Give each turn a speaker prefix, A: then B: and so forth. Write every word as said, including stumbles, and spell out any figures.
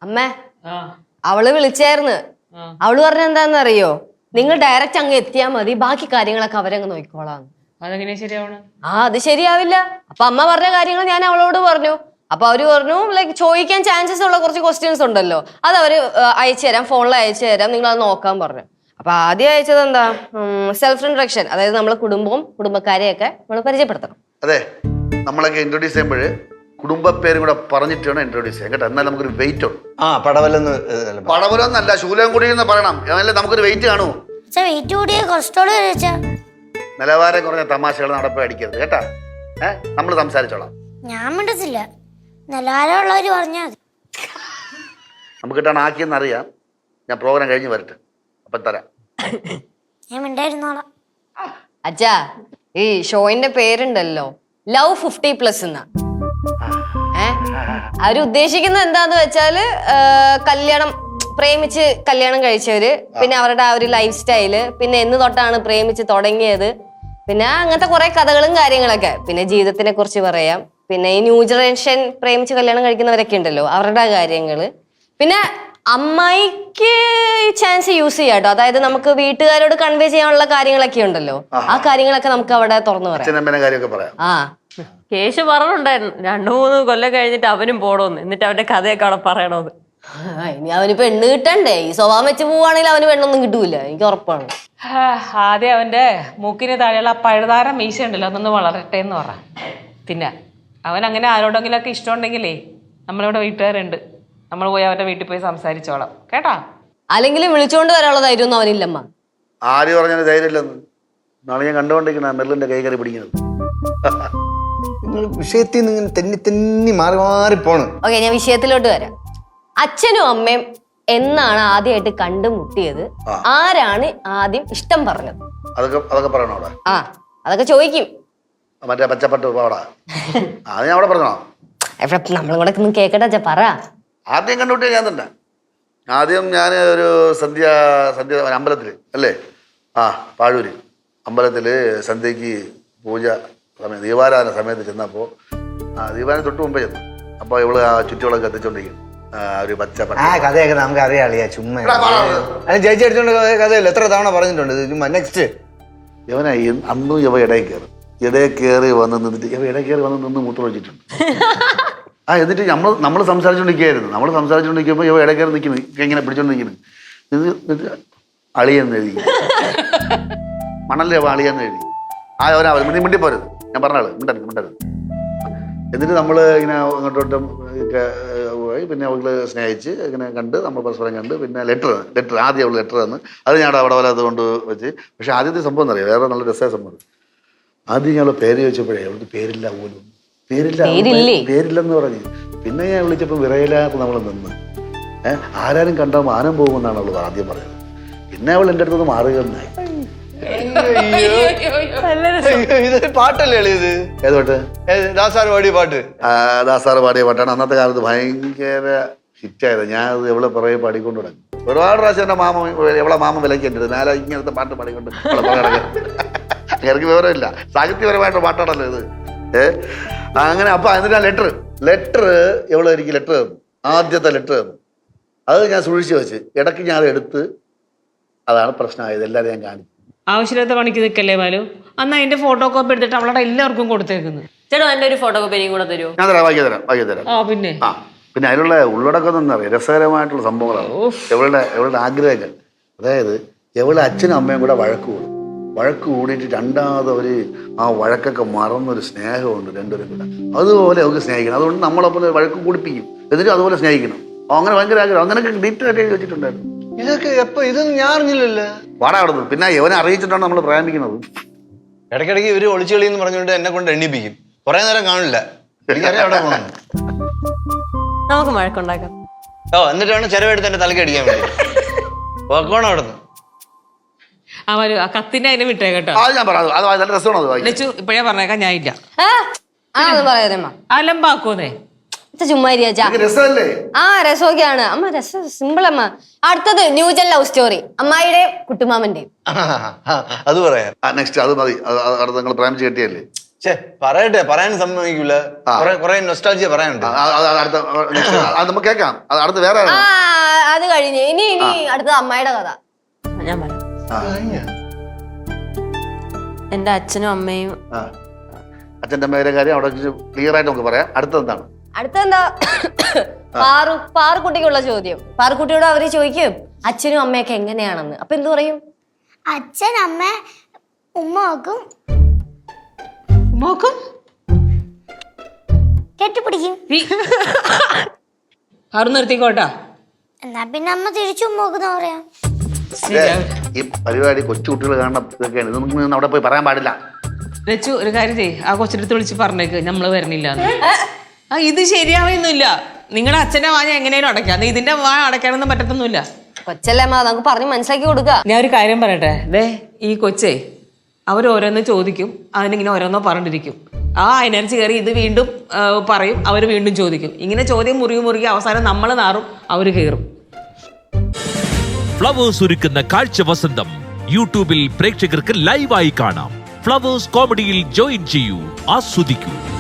A: അമ്മേ അവള് വിളിച്ചായിരുന്നു. അവള് പറഞ്ഞ എന്താന്നറിയോ, നിങ്ങൾ ഡയറക്റ്റ് അങ്ങ് എത്തിയാ മതി, ബാക്കി കാര്യങ്ങളൊക്കെ അവരങ്ങ് നോക്കിക്കോളാം.
B: അതെങ്ങനെ ശരിയാവണം?
A: ആ അത് ശരിയാവില്ല. അപ്പൊ അമ്മ പറഞ്ഞ കാര്യങ്ങൾ ഞാൻ അവളോട് പറഞ്ഞു. അപ്പൊ അവര് പറഞ്ഞു ലൈക്ക് ചോദിക്കാൻ ചാൻസസ് ഉള്ള കുറച്ച് ക്വസ്റ്റ്യൻസ് ഉണ്ടല്ലോ, അത് അവര് അയച്ചു തരാം, ഫോണിൽ അയച്ചു തരാം, നിങ്ങൾ അത് നോക്കാൻ പറഞ്ഞു. അപ്പൊ ആദ്യം അയച്ചത് എന്താ, സെൽഫ് ഇൻട്രൊഡക്ഷൻ, അതായത് നമ്മളെ കുടുംബവും കുടുംബക്കാരെയൊക്കെ നമ്മൾ പരിചയപ്പെടുത്തണം.
C: അതെ, നമ്മളൊക്കെ ഇൻട്രൊഡ്യൂസ് ചെയ്യുമ്പോൾ കുടുംബ പേരും കൂടെ പറഞ്ഞിട്ട് വേണം ഇൻട്രൊഡ്യൂസ് ചെയ്യാൻ കേട്ടോ. എന്നാൽ നമുക്കൊരു വെയിറ്റ് ഉണ്ട്.
D: ആ പടവലെന്ന്
C: പടവലെന്നല്ല, ശൂലംകുടി എന്ന് പറയണം. അതല്ലേ നമുക്കൊരു വെയിറ്റ് കാണൂ.
E: വെയിറ്റ് കൂടിയ കൊളസ്ട്രോൾ
C: നിലവാരം കുറഞ്ഞ തമാശകൾ നടപ്പ് അടിക്കരുത് കേട്ടാ. ഏഹ് നമ്മൾ സംസാരിച്ചോളാം.
E: ഞാൻ മിണ്ടത്തില്ല, നിലവാരമുള്ളവര് പറഞ്ഞാൽ മതി.
C: നമുക്ക് കിട്ടാൻ ആക്കിയെന്ന് അറിയാം. ഞാൻ പ്രോഗ്രാം കഴിഞ്ഞ് വരട്ടെ, അപ്പം തരാം.
E: ഞാൻ മിണ്ടായിരുന്നോളാം.
A: അച്ഛാ, ഈ ഷോയിന്റെ പേരുണ്ടല്ലോ ലവ് ഫിഫ്റ്റി പ്ലസ് എന്നാ. ഏഹ് അവര് ഉദ്ദേശിക്കുന്നത് എന്താന്ന് വെച്ചാല് കല്യാണം പ്രേമിച്ച് കല്യാണം കഴിച്ചവര്, പിന്നെ അവരുടെ ആ ഒരു ലൈഫ് സ്റ്റൈല്, പിന്നെ എന്ന് തൊട്ടാണ് പ്രേമിച്ച് തുടങ്ങിയത്, പിന്നെ അങ്ങനത്തെ കുറെ കഥകളും കാര്യങ്ങളൊക്കെ, പിന്നെ ജീവിതത്തിനെ കുറിച്ച് പറയാം, പിന്നെ ഈ ന്യൂ ജനറേഷൻ പ്രേമിച്ച് കല്യാണം കഴിക്കുന്നവരൊക്കെ ഉണ്ടല്ലോ അവരുടെ കാര്യങ്ങള്, പിന്നെ അമ്മായിക്ക് ചാൻസ് യൂസ് ചെയ്യാം കേട്ടോ. അതായത് നമുക്ക് വീട്ടുകാരോട് കൺവേ ചെയ്യാനുള്ള കാര്യങ്ങളൊക്കെ ഉണ്ടല്ലോ, ആ കാര്യങ്ങളൊക്കെ നമുക്ക് അവിടെ തുറന്നു പറയാം. ആ
B: കേശു പറഞ്ഞിട്ടുണ്ടായിരുന്നു രണ്ടു മൂന്ന് കൊല്ലം കഴിഞ്ഞിട്ട് അവനും പോടോന്ന്, എന്നിട്ട് അവന്റെ കഥയൊക്കെ അവിടെ പറയണോന്ന്.
A: ഇനി അവന് പെണ്ണ് കിട്ടണ്ടേ? ഈ സ്വഭാവം വെച്ച് പോവാണെങ്കിൽ അവന് പെണ്ണൊന്നും കിട്ടൂല, എനിക്ക് ഉറപ്പാണ്.
B: ആദ്യം അവന്റെ മൂക്കിന് താഴെയുള്ള ആ പഴുതാര മീശ ഉണ്ടല്ലോ അതൊന്ന് വളരട്ടെ എന്ന് പറ. പിന്നെ അവൻ അങ്ങനെ ആരോടെങ്കിലും ഒക്കെ ഇഷ്ടമുണ്ടെങ്കിലേ നമ്മളിവിടെ വീട്ടുകാരുണ്ട്, നമ്മൾ പോയി അവന്റെ വീട്ടിൽ പോയി സംസാരിച്ചോളാം കേട്ടാ.
A: അല്ലെങ്കിൽ വിളിച്ചോണ്ട് വരാനുള്ള ധൈര്യം ഒന്നും അവനില്ലമ്മ.
C: ആര് പറഞ്ഞാൽ ധൈര്യമില്ലെന്ന് നാളെ ഞാൻ കണ്ടുകൊണ്ടിരിക്കണ മെർലിന്റെ കൈ കയറി പിടിക്കുന്നത്.
D: വിഷയത്തിൽ നിന്ന് ഇങ്ങനെ തെന്നി തെന്നി മാറി മാറി പോണ്.
A: ഓക്കെ, ഞാൻ വിഷയത്തിലോട്ട് വരാം. അച്ഛനും അമ്മയും എന്നാണ് ആദ്യമായിട്ട് കണ്ടുമുട്ടിയത്? ആരാണ് ആദ്യം ഇഷ്ടം പറഞ്ഞത്?
C: അതൊക്കെ അതൊക്കെ പറയണോ അവിടെ?
A: ആ അതൊക്കെ ചോദിക്കും.
C: മറ്റേ പച്ചപ്പട്ട് പാടാ അത് ഞാൻ അവിടെ പറഞ്ഞോ?
A: നമ്മളും കൂടെ ഒന്നും കേക്കട്ടെ അച്ഛാ, പറ.
C: ആദ്യം കണ്ടുപിട്ടിയ ഞാൻ തന്നെ. ആദ്യം ഞാൻ ഒരു സന്ധ്യ സന്ധ്യ അമ്പലത്തിൽ അല്ലേ, ആ പാഴൂര് അമ്പലത്തിൽ സന്ധ്യക്ക് പൂജ സമയം ദീപാരാധന സമയത്ത് ചെന്നപ്പോൾ ആ ദീപാരാധന തൊട്ട് മുമ്പേ ചെന്നു. അപ്പോൾ ഇവള് ആ ചുറ്റുകളൊക്കെ എത്തിച്ചോണ്ടിരിക്കും. ഒരു പച്ച
D: ആ കഥയൊക്കെ നമുക്ക് അറിയാളിയാ, ചുമ്മാ ചേച്ചി അടിച്ചോണ്ട് കഥയല്ല, എത്ര തവണ പറഞ്ഞിട്ടുണ്ട് ചുമ്മാ. നെക്സ്റ്റ്
C: യവന അന്നും യവ ഇടയിൽ കയറി ഇടയിൽ കയറി വന്ന് നിന്നിട്ട് യവ ഇടയിൽ കയറി വന്ന് നിന്ന് മൂത്രം ഒഴിച്ചിട്ടുണ്ട്. ആ എന്നിട്ട് നമ്മൾ നമ്മൾ സംസാരിച്ചുകൊണ്ടിരിക്കുകയായിരുന്നു. നമ്മൾ സംസാരിച്ചുകൊണ്ടിരിക്കുമ്പോൾ യവ ഇടയിൽ കയറി നിൽക്കുന്നു, ഇങ്ങനെ പിടിച്ചോണ്ട് നിൽക്കുന്നു. എന്നിട്ട് അളിയെന്ന് എഴുതി, മണല്ലേ യവ അളിയെന്ന് എഴുതി. ആ അവനാ മിണ്ടി മിണ്ടി പോരുത്, ഞാൻ പറഞ്ഞാള് മിണ്ടരുത് മിണ്ടരുത്. എന്നിട്ട് നമ്മൾ ഇങ്ങനെ അങ്ങോട്ടോട്ടും പോയി, പിന്നെ അവള് സ്നേഹിച്ച് ഇങ്ങനെ കണ്ട് നമ്മൾ പരസ്പരം കണ്ട്, പിന്നെ ലെറ്റർ ലെറ്റർ ആദ്യം അവൾ ലെറ്റർ തന്ന് അത് ഞാൻ അവിടെ വരാതെ കൊണ്ട് വെച്ച്. പക്ഷെ ആദ്യത്തെ സംഭവം എന്നറിയാം, വേറെ നല്ല രസമായ സംഭവം. ആദ്യം ഞങ്ങൾ പേര് ചോദിച്ചപ്പോഴേ അവൾക്ക് പേരില്ല പോലും, പേരില്ല പേരില്ലെന്ന് പറഞ്ഞ്. പിന്നെ ഞാൻ വിളിച്ചപ്പോൾ വിറയിലാത്ത നമ്മൾ നിന്ന് ഏഹ് ആരാരും കണ്ടാൽ മാനം പോകുമെന്നാണ് അവൾ ആദ്യം പറഞ്ഞത്. പിന്നെ അവൾ എൻ്റെ അടുത്തൊന്ന് മാറുകയെന്നായി.
D: പാട്ടല്ലേ എളിയത്?
C: ഏത് പാട്ട്?
D: ദാസാർ പാടിയ പാട്ട്.
C: ദാസാറ് പാടിയ പാട്ടാണ്. അന്നത്തെ കാലത്ത് ഭയങ്കര ഹിറ്റായത്. ഞാൻ അത് എവിടെ പുറകെ പാടിക്കൊണ്ട് തുടങ്ങി. ഒരുപാട് പ്രാവശ്യം എൻ്റെ മാമ എവിടെ മാമ വിലക്കേണ്ടത് നാല ഇങ്ങനത്തെ പാട്ട് പാടിക്കൊണ്ട് എനിക്ക് വിവരമില്ല, സാഹിത്യപരമായിട്ട് പാട്ടാണല്ലോ ഇത്. ഏഹ് അങ്ങനെ അപ്പൊ എന്നിട്ട് ആ ലെറ്റർ ലെറ്റർ എവിടെ എനിക്ക് ലെറ്റർ തന്നു, ആദ്യത്തെ ലെറ്റർ തന്നു. അത് ഞാൻ സൂക്ഷിച്ച് വെച്ച് ഇടയ്ക്ക് ഞാൻ അത് എടുത്ത്, അതാണ് പ്രശ്നമായത്. എല്ലാവരും ഞാൻ കാണിച്ചു.
B: ആവശ്യമില്ലാത്ത പണിക്ക് നിൽക്കല്ലേ ബാലു. അന്ന് അതിന്റെ ഫോട്ടോ കോപ്പി എടുത്തിട്ട് അവളുടെ എല്ലാവർക്കും കൊടുത്തേക്കുന്നു.
A: ചേട്ടാ എന്റെ ഒരു ഫോട്ടോ കോപ്പി കൂടെ തരുമോ?
C: ഞാൻ തരാം, വായിക്കാൻ തരാം വായിക്കാൻ തരാം.
B: ആ പിന്നെ
C: ആ പിന്നെ അതിലുള്ള ഉള്ളടക്കം എന്താ പറയുക, രസകരമായിട്ടുള്ള സംഭവങ്ങളാണ്. എവളുടെ എവളുടെ ആഗ്രഹങ്ങൾ, അതായത് എവളുടെ അച്ഛനും അമ്മയും കൂടെ വഴക്ക് കൂടും. വഴക്ക് കൂടിയിട്ട് രണ്ടാമത് അവർ ആ വഴക്കൊക്കെ മറന്നൊരു സ്നേഹമുണ്ട് രണ്ടുപേരും കൂടെ. അതുപോലെ അവർക്ക് സ്നേഹിക്കണം. അതുകൊണ്ട് നമ്മളെപ്പോലെ വഴക്ക് കൂടിപ്പിക്കും, എന്നിട്ട് അതുപോലെ സ്നേഹിക്കണം. അങ്ങനെ ഭയങ്കര ആഗ്രഹം. അങ്ങനെയൊക്കെ ഡീറ്റെയിൽ ആയിട്ട് വെച്ചിട്ടുണ്ടായിരുന്നു.
D: ഇതൊക്കെ എപ്പോ ഇതൊന്നും ഞാൻ അറിഞ്ഞില്ലല്ലോ.
C: പാടാ കിടന്നു. പിന്നെ ഇവനെ അറിയിച്ചിട്ടാണ് നമ്മൾ പ്രേമിക്കുന്നത്.
D: ഇടയ്ക്കിടയ്ക്ക് ഇവര് ഒളിച്ചു കളി എന്ന് പറഞ്ഞുകൊണ്ട് എന്നെ കൊണ്ട് എണ്ണിപ്പിക്കും. കുറെ നേരം കാണില്ല, എനിക്കറിയാം അവിടെ പോകണം.
A: നമുക്ക് മഴക്കുണ്ടാക്കാം.
D: ഓ എന്നിട്ടാണ് ചെലവെടുത്ത് എന്റെ തലക്ക് അടിക്കാൻ വേണ്ടി പോക്കോണം അവിടെ നിന്ന്.
B: ആ വരൂ, ആ കത്തിന്റെ അതിനെ വിട്ടേ കേട്ടോ.
C: അത് ഞാൻ പറയാം, അത് നല്ല രസമാണ്.
B: ഇപ്പഴേ പറഞ്ഞേക്കാം, ഞാൻ ഇല്ല അലമ്പാക്കൂന്നേ.
A: ചുമ്മാ
C: രസമല്ലേ?
A: ആ രസമൊക്കെയാണ് അമ്മ, രസം സിമ്പിൾ അമ്മ. അടുത്തത് ന്യൂജൻ ലവ് സ്റ്റോറി, അമ്മായിയുടെയും കുട്ടുമാമന്റെയും.
D: അത് പറയാം
C: നെക്സ്റ്റ് അത് മതി. അടുത്ത നിങ്ങൾ പ്രേമിച്ച് കെട്ടിയല്ലേ,
D: ഛേ പറയട്ടെ, പറയാൻ സമ്മതിക്കൂല.
C: ആ.
D: കുറെ കുറെ നൊസ്റ്റാൾജിയ പറയാനുണ്ട്.
C: ആ, അത് അത് അടുത്ത next, അത് നമുക്ക് കേൾക്കാം. അത് അടുത്ത് വേറെ
A: ആ അത് കഴിഞ്ഞ് ഇനി ഇനി അടുത്ത അമ്മയുടെ കഥ.
B: ഞാൻ പറയാം.
C: ആ,
B: എൻ്റെ അച്ഛനും അമ്മയും
C: ആ. അച്ഛൻ്റെ അമ്മയുടെ കാര്യം അവിടെ ക്ലിയർ ആയിട്ട് നമുക്ക് പറയാം. അടുത്തത് എന്താണ്?
A: അടുത്തെന്താ പാറു പാറുക്കുട്ടിക്കുള്ള ചോദ്യം. പാറുക്കുട്ടിയോട് അവര് ചോദിക്കും അച്ഛനും അമ്മയൊക്കെ എങ്ങനെയാണെന്ന്. അപ്പൊ എന്തു പറയും?
E: അച്ഛൻ അമ്മ ഉമ്മ നോക്കും,
B: മോക്കും
E: കെട്ടിപ്പിടിക്കും.
B: ആറ് നിർത്തിക്കോട്ടാ.
E: എന്നാ പിന്നെ അമ്മ തിരിച്ചു ഉമ്മ നോക്കുന്ന പറയാം.
C: ഇല്ലേ, ഈ പരിപാടി കൊച്ചുകുട്ടികൾ കാണുന്ന ഇതൊക്കെയാണ്. ഇതൊന്നും അവിടെ പോയി പറയാൻ പാടില്ല.
B: ലച്ചു ഒരു കാര്യം ചെയ്യ്, ആ കൊച്ചിനടുത്ത് വിളിച്ച് പറഞ്ഞേക്ക് നമ്മള് വരണില്ല. ആ ഇത് ശരിയാവുന്നില്ല. നിങ്ങളുടെ അച്ഛന്റെ വാ ഞാൻ എങ്ങനെയും അടയ്ക്കാം, ഇതിന്റെ വാ അടയ്ക്കാനൊന്നും പറ്റത്തൊന്നുമില്ല.
A: കൊച്ചല്ലേ അമ്മ, നമുക്ക് പറഞ്ഞ് മനസ്സിലാക്കി കൊടുക്ക.
B: ഞാൻ ഒരു കാര്യം പറയട്ടെ, ദേ ഈ കൊച്ചേ അവരോരോന്ന് ചോദിക്കും, അവനിങ്ങനെ ഓരോന്നോ പറഞ്ഞിരിക്കും. ആ എനർജി കയറി ഇത് വീണ്ടും ആ, പറയും, അവർ വീണ്ടും ചോദിക്കും. ഇങ്ങനെ ചോദ്യം മുറുകി മുറുകി അവസാനം നമ്മൾ നാറും, അവർ കയറും.
F: ഫ്ലവേഴ്സ് ഒരുക്കുന്ന കാഴ്ച വസന്തം യൂട്യൂബിൽ പ്രേക്ഷകർക്ക് ലൈവായി കാണാം. ഫ്ലവേഴ്സ് കോമഡിയിൽ ജോയിൻ ചെയ്യൂ, ആസ്വദിക്കൂ.